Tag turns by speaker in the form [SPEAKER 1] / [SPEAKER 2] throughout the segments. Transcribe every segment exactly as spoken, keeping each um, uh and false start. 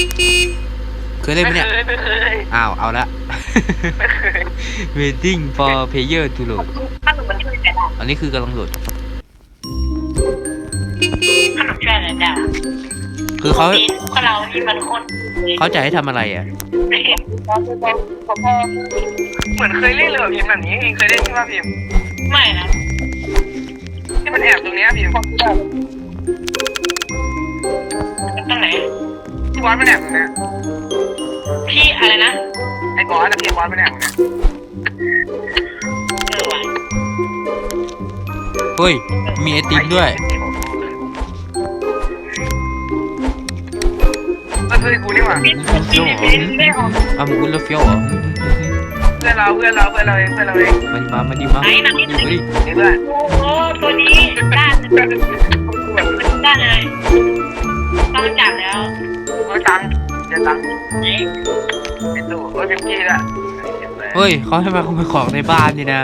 [SPEAKER 1] เคยเล่นไหมเนี่ยอ้าวเอาละ waiting for player to load
[SPEAKER 2] ขนมมันช่วยอะไรได้
[SPEAKER 1] อันนี้คือกำลังโหลด
[SPEAKER 2] ขนมช่วยอะไรได้
[SPEAKER 1] คือเขา
[SPEAKER 2] พวกเรานี่มันคน
[SPEAKER 1] เขาจะให้ทำอะไรอ่ะ
[SPEAKER 3] เหมือนเคยเล่นเลยพิมพ์แบบนี้เองเคยเล่นใช่ไหมพิมพ์
[SPEAKER 2] ไม่นะ
[SPEAKER 3] ที่มันแอบตรงนี้พิมพ์
[SPEAKER 2] ตรงไหน
[SPEAKER 3] ที่บอสมันแอบตรงนี้
[SPEAKER 2] พี่อะไรนะ
[SPEAKER 3] ไอ้บอสนะพี่บอสมันแอบตรงนี้
[SPEAKER 2] เออว่ะ
[SPEAKER 1] เฮ้ยมีไอติมด้วย
[SPEAKER 3] ก็คือกูนี่หว่า
[SPEAKER 1] อ่ะมึงคุณแล้วเฟี้ยวเหรอ
[SPEAKER 3] เพื่อนเราเพื่อนเราเพื่อนเราเองเพื่อนเราเอง
[SPEAKER 1] มาดิมามาดิมาดิมาดิ
[SPEAKER 3] นี่เพื่อน
[SPEAKER 2] โอ้โหตัวนี้ด้านด้านเลยต้องจับแล้ว
[SPEAKER 3] เอาตังค์เดี๋ยวตังค์ไอ้ตู้โอ้ยพิมพ์กี้ละ
[SPEAKER 1] เฮ้ยเขาให้มาขโมยของในบ้านนี่นะ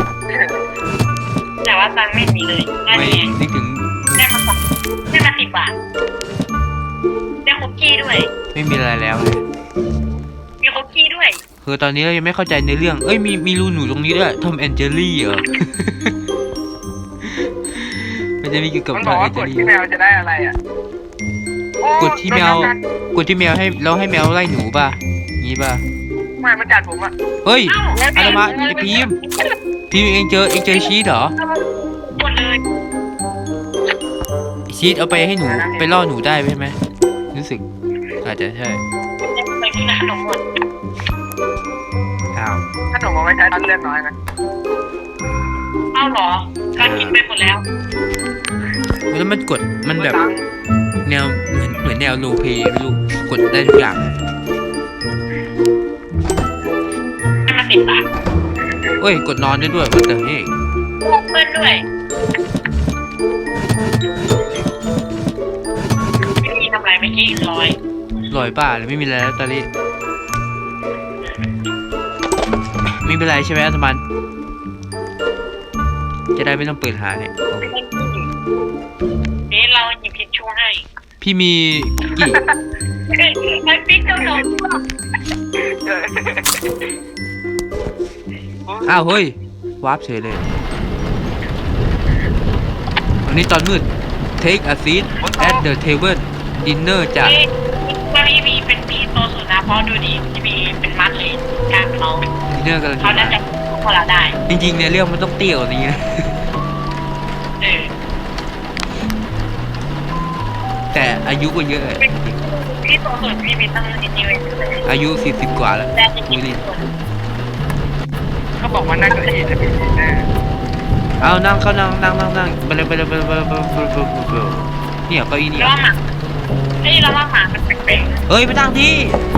[SPEAKER 2] แต่ว่าตังค์ไม่มีเลย
[SPEAKER 1] ไม่นึกถึง
[SPEAKER 2] ได้มาสักได้มาสิบบาทได้คุกกี้ด้วย
[SPEAKER 1] ไม่มีอะไรแล้วเลย
[SPEAKER 2] มีคุกกี้ด้วย
[SPEAKER 1] คือตอนนี้เรายังไม่เข้าใจในเรื่องเอ้ยมีมีรูหนูตรงนี้ด้วยทอมแอนเจอรี่เหรอมันจะมีเกี่ยวกับ
[SPEAKER 3] ทอมแอนเจอรี่กดที่แมวจะได้อะไรอ่ะ
[SPEAKER 1] กดที่แมวกดที่แมวให้เราให้แมวไล่หนูป่ะงี้ป่ะ
[SPEAKER 3] ไม่มันกัดผมอ่ะ
[SPEAKER 1] เฮ้ยอะไรมาไอพีมพีมเองเจอเองเจอชีสเหรอ
[SPEAKER 2] หมดเลย
[SPEAKER 1] ชีสเอาไปให้หนูไปล่อหนูได้ใช่ไหมรู้สึกอาจจะใช่
[SPEAKER 2] ไปกินขนมหมด
[SPEAKER 1] อ้าว
[SPEAKER 3] ขนมเอาไว้ใช้ตอนเลือดน้อยนะ
[SPEAKER 2] อ้าวเหรอการกินไปหมดแล้ว
[SPEAKER 1] แล้วมันกดมันแบบแนวเหมือนเหมือนแนวโลเพย์ไม่รู้กดได้ทุกอย่าง
[SPEAKER 2] ให้มาสิบบาท
[SPEAKER 1] เฮ้ยกดนอนได้ด้วยมันแต่นี่
[SPEAKER 2] เพื่อนด้วยไม่มีทำไรเมื่อกี้ลอย
[SPEAKER 1] ลอยป่าเลยไม่มีอะไรแล้วตอนนี้ไม่เป็นไรใช่ไหมอัตมันจะได้ไม่ต้องเปิดหาเนี่ย
[SPEAKER 2] เดี๋ยวเราหยิบทิชชู่ให้
[SPEAKER 1] พี่มีกี่
[SPEAKER 2] ไอ้ปิ๊กเจ้าหนุ่ม
[SPEAKER 1] อ้าวเฮ้ย วาร์ปเฉยเลยวันนี้ตอนมืด take a seat at the table dinner จ้ะ
[SPEAKER 2] ว่าพี่มีเป็นปีโตสุดนะเพราะดูดีพี่มีเป็นมัดเลยการเขา
[SPEAKER 1] dinner กัน
[SPEAKER 2] เขาน่าจะพอเราได้
[SPEAKER 1] จริงๆในเรื่องมันต้องเตี้ยกว่านี้นะ
[SPEAKER 2] เออ
[SPEAKER 1] แต่อายุก็เยอะ
[SPEAKER 2] พี่โตสุดพี่มีตั้งนิดนิดเลย
[SPEAKER 1] อายุสี่สิบกว่าแล้ว
[SPEAKER 2] คุยลิ
[SPEAKER 3] เขาบอกว่านั่งเก้าอี้จะมีแน่
[SPEAKER 1] เอานั่งเขานั่งนั่งนั่งนั่งไปเลยไปเลยไปเลยไปเลยไปเลยไปเลยเนี่ยเก้าอี้นี่
[SPEAKER 2] เราหมาเฮ้ยเราว่าหมามันแปลก
[SPEAKER 1] ๆเฮ้ยไปตั้งที่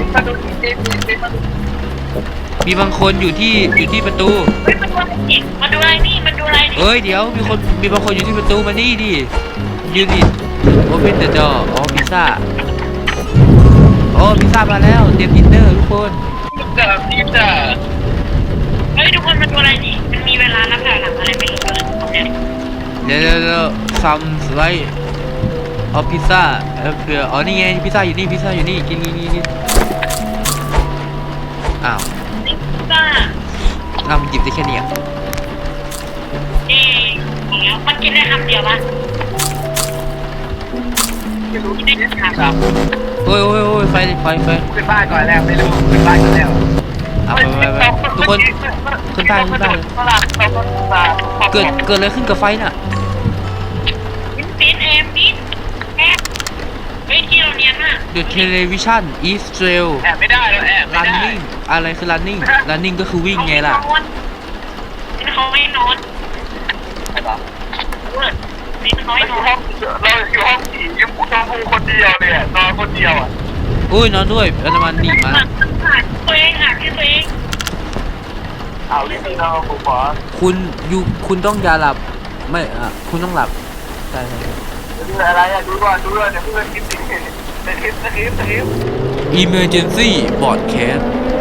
[SPEAKER 1] มีบางคนอยู่ที่อยู่ที่ประตู
[SPEAKER 2] เฮ้ยมาดูอะไรนี่มาดูอะไรนี่มาดูอะไรนี่
[SPEAKER 1] เฮ้ยเดี๋ยวมีคนมีบางคนอยู่ที่ประตูมานี่ดิยืนดิโอเพนเดอะดอร์อ๋อพิซซ่าโอ้พิซซ่ามาแล้วเตรียมดินเนอร์ทุกคน
[SPEAKER 3] พิซซ่าพิซซ่า
[SPEAKER 2] เฮ้ยทุกคนมาดูอะไรนี่มันมีเวลานับถอยหลังอะไรไม่รู้เลย
[SPEAKER 1] เดี๋ยวเดี๋ยวซัมสไลด์เอาพิซซ่าเออเผื่ออ๋อนี่ไงพิซซ่าอยู่นี่พิซซ่าอยู่นี่กินกินกินกินอ้าว
[SPEAKER 2] พิซซ่า
[SPEAKER 1] เราหยิบได้แค่นี้อ่ะ
[SPEAKER 2] เอ๊ะมันกินได้คำเดียวปะกินได้คำเดียว
[SPEAKER 1] โอ้ยโอ้ยโอ้ยไฟไฟไฟ
[SPEAKER 3] ขึ้นบ้านก่อนแล้วไม่รู้ขึ้นบ้านก่อนแล้ว
[SPEAKER 1] เอาไปไปไปทุกคนขึ้นบ้านขึ้นบ้านเกิดเกิดอะไรขึ้นกับไฟน่ะ
[SPEAKER 2] ปิ้นเอ็มปิ้นแอบเฮ้ยที่เราเรียนน่ะ
[SPEAKER 1] The television is still
[SPEAKER 3] แอบไม่ได้แล้วแอบไม่ได้
[SPEAKER 1] running อะไรคือ running running ก็คือวิ่งไงล่ะ
[SPEAKER 2] ปิ้นเขาไม่นอน
[SPEAKER 3] ใช่ปะ
[SPEAKER 2] ปิ้นเขาไม่นอน
[SPEAKER 3] เราอยู่ห้องผียังพูดนอนคนเดียวเลยนอนคนเดียวอ่ะ
[SPEAKER 1] อุ้ยนอนด้วยอันมันหนีมา
[SPEAKER 2] ตัวเองอ่ะที่ตัวเอง
[SPEAKER 3] เอาที่นี่นอนผมขอ
[SPEAKER 1] คุณอยู่คุณต้องอย่าหลับไม่อ่ะคุณต้องหลับใช่ใช่
[SPEAKER 3] ดูอะไรอ่ะดูก่อนดูก่อนเดี๋ยวเพื่อนคิดสิสคริปต์สคริปต์สคริปต์
[SPEAKER 1] Emergency broadcast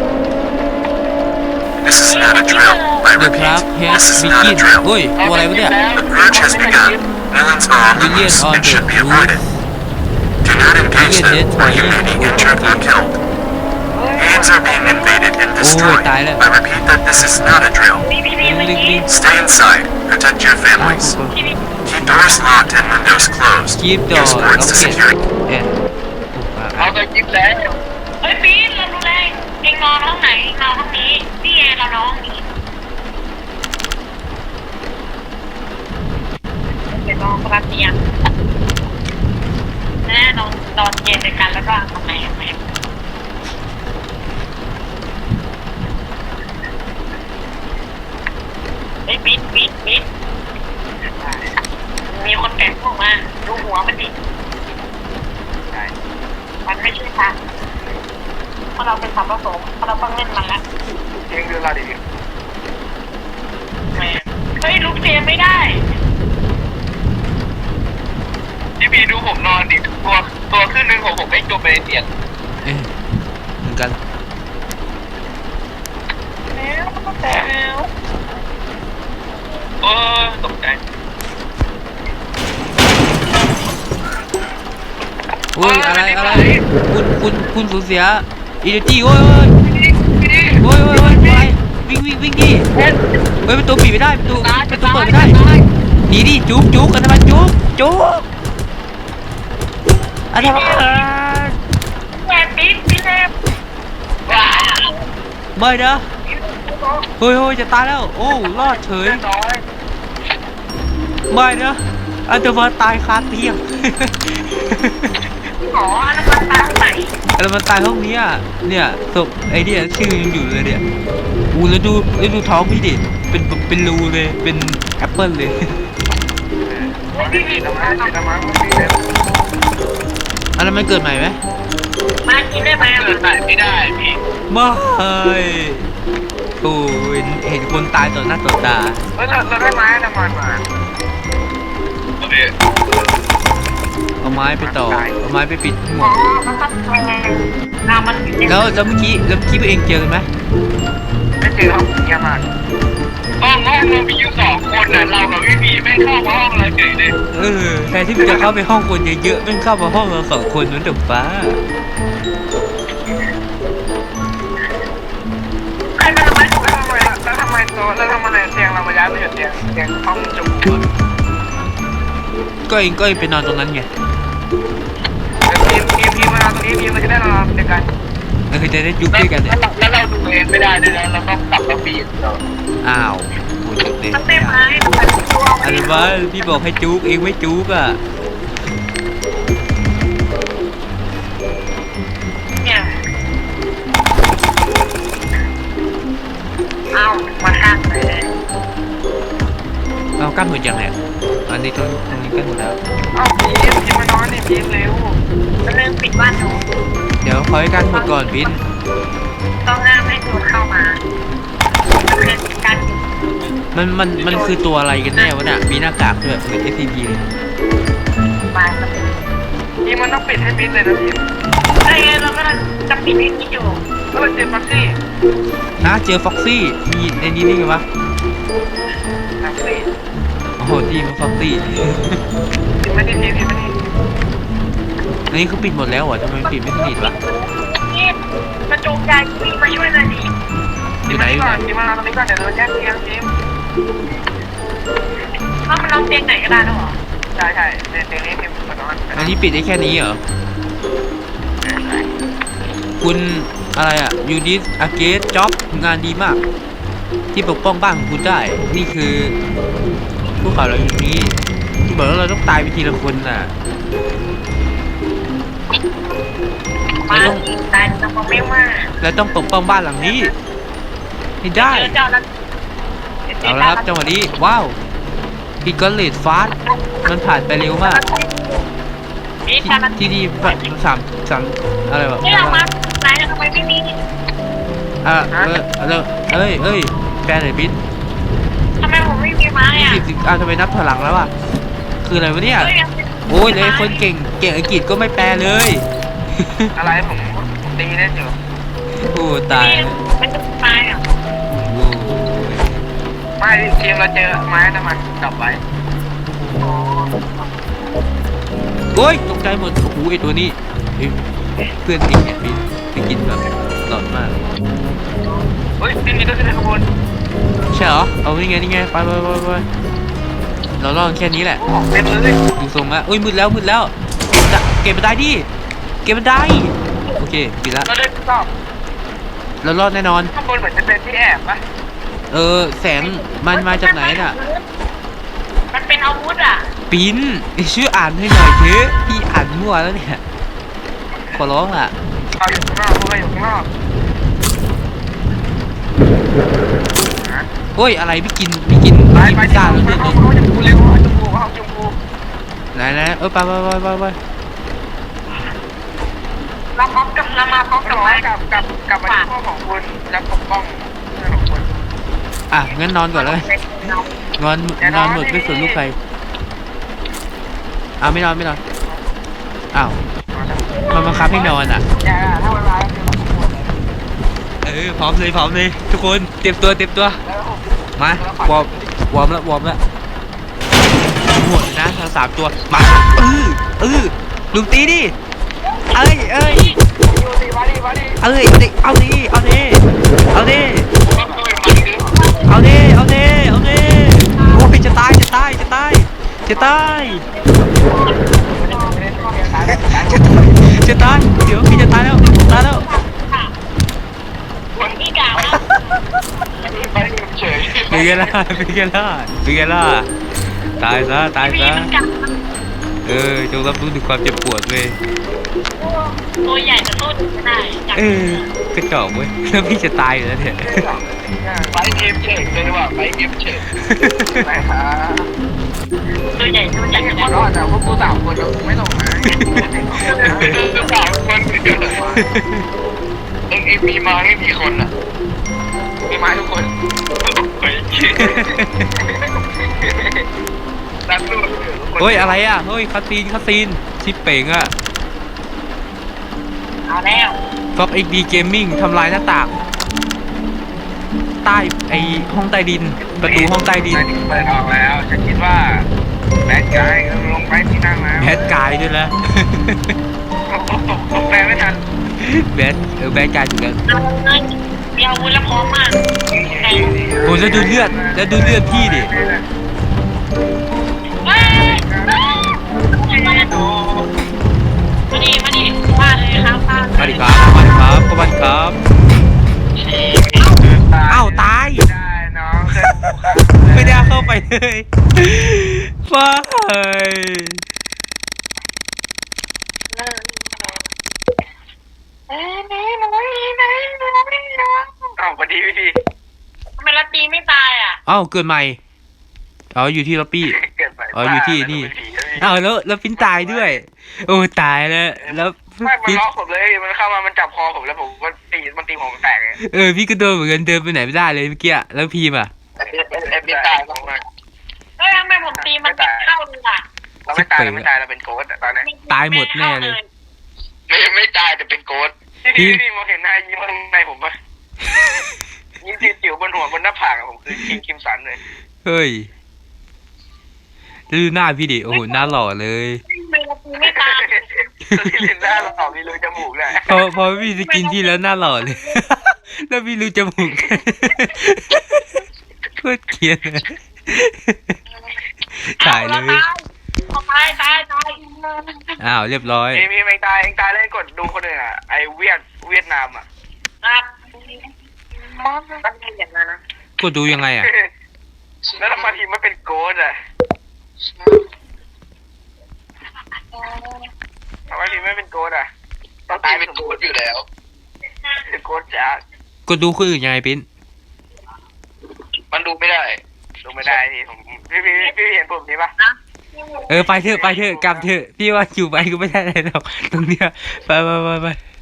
[SPEAKER 4] This is not a drill. My repeat, this is not a drill.
[SPEAKER 1] เฮ้ยตัวอะไรวะเนี่ย
[SPEAKER 4] The purge has begun. Villains are on the loose and should be avoided. Do
[SPEAKER 5] Do not engage them, or you may be injured or killed. Hands are being invaded and destroyed. I repeat that this is not a drill.
[SPEAKER 2] พี่พี่พี่เมื่อกี้
[SPEAKER 5] Stay inside. Protect your
[SPEAKER 1] อ้าว
[SPEAKER 5] families.
[SPEAKER 2] พี่พี่
[SPEAKER 5] Keep doors locked and windows closed.
[SPEAKER 1] keep the
[SPEAKER 5] Use words to
[SPEAKER 1] okay
[SPEAKER 5] secure.
[SPEAKER 1] เอ๊ะ
[SPEAKER 3] เอาไปกินแล้ว
[SPEAKER 2] เฮ้ยปีนเราดูแลเองนอนห้องไหนเองนอนห้องนี้นี่ไงเรานอนห้องนี้เดี๋ยวนอนคนละเตียงแน่นอนนอนเย็นด้วยกันแล้วก็ทำไมทำไมไอ้ยปิดปิดปิดมีคนแต่งพวกมาดูหัวมันดิมันไม่ใช่ค่ะเพราะเราเป็นสัมผสมเพราะเราต้องเล่นมันแล้ว
[SPEAKER 3] เองดูเราดิ
[SPEAKER 2] แม่เฮ้ยลุกเตียงไม่ได้
[SPEAKER 3] พี่บีดูผมนอนดิตัวตัวขึ้นหนึ่งของผมไม่จมไปในเตียง
[SPEAKER 1] เอ๊ะเหมือนกัน
[SPEAKER 2] แล้วแต่แล้ว
[SPEAKER 3] โอ้ตกใจ
[SPEAKER 1] โอ้ยอะไรอะไรคุณคุณคุณสูญเสียอีเดจี้โอ้ยโอ้ยโอ้ยโอ้ยโอ้ยวิ่งวิ่งวิ่งดิเฮ้ยประตูปิดไม่ได้ประตูประตูเปิดไม่ได้หนีดิจุ๊กจุ๊กอันนั้นมันจุ๊กจุ๊กอันนั้นมัน
[SPEAKER 2] แม่ปิ๊บปิ๊บเลยว้าว
[SPEAKER 1] ไม่นะเฮ้ยเฮ้ยจะตายแล้วโอ้รอดเฉย
[SPEAKER 3] น้อย
[SPEAKER 1] ไม่นะอันเดอร์มาตายคาเตียง
[SPEAKER 2] หมออันนั้นมันตาไหน
[SPEAKER 1] แล้วมันตายห้องนี้อ่ะเนี่ยศพไอ้เนี่ยชื่อยังอยู่เลยเนี่ยอู้แล้วดูแล้วดูท้องพี่ดิเป็นเป็นรูเลยเป็นแอปเปิลเลย
[SPEAKER 3] พี่บีน้ำมันน้ำมันพี่บี
[SPEAKER 1] อันนั้นมันเกิดใหม่ไหม
[SPEAKER 2] มากินได้ไหม
[SPEAKER 3] เกิดไหนไม่ได้พี่
[SPEAKER 1] ไม่โอ้เห็นเห็นคนตายต่อหน้าต่อตา
[SPEAKER 3] เฮ้ยเราเราได้ไม้น้ำมันมาโอเค
[SPEAKER 1] เอาไม้ไปต่อเอาไม้ไปปิดหม
[SPEAKER 2] อ๋อ
[SPEAKER 1] ด
[SPEAKER 2] มันต้องแทงเรามันอยู่ใน
[SPEAKER 1] แล้วแล้วเมื่อกี้แล้วเมื่อกี้ตัวเองเจอกันไหม
[SPEAKER 3] ไม่เจอห้องเยี่ยมมากห้องห้องเรามีอยู่สองคนน่ะเรากับพี่บีไม่เข้าห้องเราเฉยเลย
[SPEAKER 1] เออแทนที่มันจะเข้าไปห้องคนเยอะๆมันเข้ามาห้องเราสองคนนั่นเดือดฟ้า
[SPEAKER 2] ใครมาทำไม
[SPEAKER 3] แล้วทำไมแล้วทำไมตัวแล้วทำไมเตียงเรามาย้ายไปอยู่เตียงเตียงห้องจุก
[SPEAKER 1] ก็เองก็เองไปนอนตรงนั้นไง
[SPEAKER 3] ทีมทีมทีมมาตรงนี้ทีมเราจะได้นอนเดียวกัน
[SPEAKER 1] แล้วคือจะได้ยุบด้วยกันเนี่ย
[SPEAKER 3] แล้วเราดูเองไม่ได้ด้วยนะเราต้องกลับมาปีนเรา
[SPEAKER 1] อ้าวโหจบเลย
[SPEAKER 2] มันเต็มไม้มันเป็นตัว
[SPEAKER 1] อะไรวะพี่บอกให้จุกเองไม่จุกอ่ะ
[SPEAKER 2] เนี่ยเอามาข้างเลย
[SPEAKER 1] เอากั้นหมดยังเนี่ยอันนี้ตรงตรงนี้กั้นหมดแล้ว
[SPEAKER 3] เอาพีมพีมมานอนนี่พีมเร็ว
[SPEAKER 2] มันเริ่มปิดบ้านหนู
[SPEAKER 1] เดี๋ยวคอยกั้นหมดก่อนบิน
[SPEAKER 2] ต้องห้ามให้ตัวเข้ามามันเป็นการ
[SPEAKER 1] มันมันมันคือตัวอะไรกันแน่วะเนี่ยมีหน้ากากด้วยเหมือน เอส ซี พี เลย
[SPEAKER 2] มา
[SPEAKER 3] พีมมันต้องปิดให้มิดเลยนะพีม
[SPEAKER 2] เฮ้ยเราก็จะปิดให้นี่อยู่
[SPEAKER 3] ก็เลยเจอฟักซี่
[SPEAKER 1] นะเจอฟ็อกซี่มีในนี้ได้ไงวะ
[SPEAKER 3] ฟักซี่
[SPEAKER 1] โอ้โหดีมันฟ็อกซี่
[SPEAKER 3] พีมไม่ได้ทีพีมไม่ได้
[SPEAKER 1] อันนี้เขาปิดหมดแล้วเหรอทำไมปิดไม่สนิทวะ
[SPEAKER 2] นี่มาโจมใจพี่มาช่วยหน่อยดิ
[SPEAKER 1] อยู่ไหนอยู่
[SPEAKER 3] ก่
[SPEAKER 1] ไห
[SPEAKER 3] อน นพีมมานอนตรงนี้ก่อนเดี๋ยวเราแยกเตียงพีม
[SPEAKER 2] ถ้ามันนอนเตียงไหนก็ได้แล้วเหรอ
[SPEAKER 3] ใช่ใช่เตียงนี้พีมมานอน
[SPEAKER 1] อันนี้ปิดได้แค่นี้เหรอคุณอะไรอ่ะยูดิสอาเกสจ็อบงานดีมาก ที่ปกป้องบ้านของคุณได้ นี่คือพวกเขาเราอยู่นี้ที่บอกว่าเราต้องตายไปทีละคนน่ะ
[SPEAKER 2] มาตายจะมาไม่ว่า
[SPEAKER 1] เราต้องปกป้องบ้านหลังนี้ให้ได้
[SPEAKER 2] เจ้านั้น
[SPEAKER 1] เอาละครับจังหวะนี้ว้าวพีกอลเลดฟาสมันผ่านไปเร็วมาก
[SPEAKER 2] นี่
[SPEAKER 1] ที่
[SPEAKER 2] ชามัน
[SPEAKER 1] ที่นี่สามสามอะไรแบบ
[SPEAKER 2] นี่เรามาไหนทำไมไม่มี
[SPEAKER 1] อ่ะเออเออเอ้ยเอ้ยแปลหน่อยบิน
[SPEAKER 2] ทำไมผมไม่มีไม้
[SPEAKER 1] ยี่
[SPEAKER 2] อ่ะ
[SPEAKER 1] สิบสิบอ่ะทำไมนับถอยหลังแล้วอ่ะคืออะไรวะเนี่ยโอ้ยเลยคนเก่งเก่งอังกฤษก็ไม่แปลเลย
[SPEAKER 3] อะไรผมตีเล่นอยู่
[SPEAKER 1] โอ้ตาย
[SPEAKER 2] มันจะไม้อ่ะ
[SPEAKER 1] โอ้ย
[SPEAKER 3] ไม่ทีมเราเจอไม้น้ำมันจับไว้
[SPEAKER 2] โ
[SPEAKER 1] โอ้ยตกใจหมดโอ้โหไอตัวนี้เอ้ยเพื่อนจริงเนี่ยพี่ไปกินแบบหลอนมาก
[SPEAKER 3] เฮ้ยนี่นี่ก็คือข้างบน
[SPEAKER 1] ใช่เหรอเอานี่ไงนี่ไงไปไปไปไปเราลองแค่นี้แหละ
[SPEAKER 3] ของเต็มเลย
[SPEAKER 1] ดูทรงละอุ้ยมืดแล้วมืดแล้วเก็บเก็บบันไดดิเก็บบันไดโอเคปิดละ
[SPEAKER 3] เราได้ทดสอบ
[SPEAKER 1] เรารอดแน่นอน
[SPEAKER 3] ข้างบนเหมือนจะเป็นที่แอบปะ
[SPEAKER 1] เออแสงมันมาจากไหนน่ะ
[SPEAKER 2] มันเป็นอาวุธอ่ะ
[SPEAKER 1] ปิ้นชื่ออ่านให้หน่อยเถอะพี่อ่านมั่วแล้วเนี่ยขอร้องอ่ะ
[SPEAKER 3] เขาอยู่ข้างนอกพวกเราอยู่ข้างนอก
[SPEAKER 1] โอ้ยอะไรไม่กินไม่กิน
[SPEAKER 3] ไป
[SPEAKER 1] ไม่กิน
[SPEAKER 3] ไป
[SPEAKER 1] พิซซ่าแล้ว
[SPEAKER 3] ไป
[SPEAKER 1] เนี่ย
[SPEAKER 3] ห้องห้องชมพูเร็วห้องชมพูห้องชมพู
[SPEAKER 1] ไหนไหนเออไปไปไปไปไป
[SPEAKER 2] เราพร้อมกับเรามาพร้อม
[SPEAKER 3] ก
[SPEAKER 2] กับ
[SPEAKER 3] ลับ
[SPEAKER 2] ไม้
[SPEAKER 3] กลับกลับกลับมาที่ห้องของคุณและปกป้องเพื่อนของคุณ
[SPEAKER 1] อ่ะงั้นนอนก่อนเลยนอนนอนหมดไม่สนลูกใครอ้าวไม่นอนไม่นอนอ้าวมันบังคับให้นอนอ่ะ
[SPEAKER 3] อย่าถ้าเวลาคือของคุณ
[SPEAKER 1] เออพร้อมเลยพร้อมเลยทุกคนเตรียมตัวเตรียมตัว
[SPEAKER 3] แล้วผม
[SPEAKER 1] มาวอร์มวอร์มแล้ววอร์มแล้วหมดเลยนะทั้งสามตัวมาเออเออลุมตีดิเอ้ยเอ้ย
[SPEAKER 3] อยู่ดีมาดีมาดี
[SPEAKER 1] เอ้ยดิเอาดิเอาดิเอาดิเอาดิเอาดิเอาดิโอ้ยจะตายจะตายจะตายจะตายจะตายเดี๋ยวพี่จะตายแล้วตายแล้ว
[SPEAKER 2] คนที่กล่าว
[SPEAKER 3] ไปเฉย
[SPEAKER 1] เป็นไงล่ะเป็นไงล่ะเป็นไงล่ะตายซะตาย
[SPEAKER 2] พี่
[SPEAKER 1] ซะ
[SPEAKER 2] มันกล่าว
[SPEAKER 1] เออจงรับรู้ถึงความเจ็บปวดเว้ย
[SPEAKER 2] ตัวใหญ่จะสู้ไม่ได้จับ
[SPEAKER 1] เออกระจอกเว้ยแล้วพี่จะตายอยู่แล้วเนี่ย
[SPEAKER 3] ไปเกมเฉยเลยว่ะไปเกมเฉยไปฮะ
[SPEAKER 2] ตัวใหญ่ตัวใหญ่
[SPEAKER 3] ไม่
[SPEAKER 2] จะ
[SPEAKER 3] ขอรอดแต่พวกกูสามคนไม่ลงนะสามคนเดียวเอ็งเอ็งมีมาไม่มีคนอ่ะมีมาทุกคนรักลูก
[SPEAKER 1] เฮ้ยอะไรอ่ะเฮ้ยคาซีนคาซีนชิปเป่งอ่ะ
[SPEAKER 2] เอาแล้ว
[SPEAKER 1] ฟ็อกเอ็กดีเกมมิ่งทำลายหน้าต่างใต้ไอห้องใต้ดินประตูห้องใต้ดิน
[SPEAKER 3] เปิดออกแล้วฉันคิดว่าแบดกายลงไปที่นั่งแล้ว
[SPEAKER 1] แบดกายด้วยนะ
[SPEAKER 3] ตกแปลไม่ทัน
[SPEAKER 1] แบดเออแบดกายถูกแล้ว
[SPEAKER 2] เอาเลยมีอาวุธแล้วพร้อมมาก
[SPEAKER 1] โอ้แล้วดูเลือดแล้วดูเลือดพี่ดิ
[SPEAKER 2] เฮ้ยมาดิมาดิมาเลยครับมา
[SPEAKER 1] มาดิครับมาดิครับก็มาดิครับอ้าวตาย
[SPEAKER 3] ได้น้อง
[SPEAKER 1] ไม่ได้เข้าไปเลยฟ้าเฮ้ย
[SPEAKER 3] อ้าวพอดีพี่
[SPEAKER 2] ทำไมละตีไม่ตายอ่ะ
[SPEAKER 1] อ้าวเกิดใหม่อ๋ออยู่ที่ล็อบบี้
[SPEAKER 3] เกิดไป
[SPEAKER 1] อ๋ออยู่ที่นี่อ้าวแล้วแล้วฟินตายด้วย โอ้ตายแล้วแล้ว
[SPEAKER 3] ไม่มัน
[SPEAKER 1] ฟิน
[SPEAKER 3] ล็อกผมเลยมันเข้ามามันจับคอผมแล้วผมก็ตีมันตีผมแตกเลย
[SPEAKER 1] เออพี่ก็โดนเหมือนกันเดินไปไหนไม่ได้เลยเมื่อกี้แล้วพีมอ่ะ
[SPEAKER 3] เอ็มตายผมอ่ะ
[SPEAKER 2] เฮ้ยทำไมผมตีมันไม่เข้าเลยอ่ะ
[SPEAKER 3] เราไม่ตายเราไม่ตายเราเป็นโกดตอนนี้
[SPEAKER 1] ตายหมดแน่เลย
[SPEAKER 3] ไม่ไม่ตายแต่เป็นโกดพี่พี่มองเห็นหน้ายิ้มข้างในผมปะยิ้มจิ๋วบนหัวบนหน้าผากผมคือคิมคิมสันเลย
[SPEAKER 1] เฮ้ยดูหน้าพี่ดิโอ้โหหน้าหล่อเลย
[SPEAKER 2] ทำไมละตีไม่ตาย
[SPEAKER 3] ที่เล่นหน้าเราออกมีรูจมูกเลย
[SPEAKER 1] พอพอพี่สกินที่แล้วหน้าหล่อเลย แล้วพี่รู้จมูก โคตรเกลียดเลยถ่ายเลย
[SPEAKER 2] ตายตายตาย
[SPEAKER 1] อ้าวเรียบร้อย
[SPEAKER 3] เอ็มเอ็งตายเอ็งตายแล้วกดดูคนอื่นอ่ะไอเวียดเวียดนามอ่ะ
[SPEAKER 2] ครับมันเป็นอย่างนั้นนะ
[SPEAKER 1] ก็ดูยังไงอ่ะ
[SPEAKER 3] แล้วทำไมทีมมันเป็นโกดอ่ะทำไมทีมไม่เป็นโกดอ่ะต้องตายเป็นโกดอยู่แล้วเป็นโกดจ้า
[SPEAKER 1] ก็ดูคนอื่นยังไงปิ้น
[SPEAKER 3] มันดูไม่ได้ ดูไม่ได้นี่ผมพี่พี่พี่เห็นผมนี่ปะ
[SPEAKER 2] นะ
[SPEAKER 1] เออไปเถอะไปเถอะกลับเถอะพี่ว่าอยู่ไปก็ไม่ได้อะไรหรอกตรงเนี้ยไปไปไปไป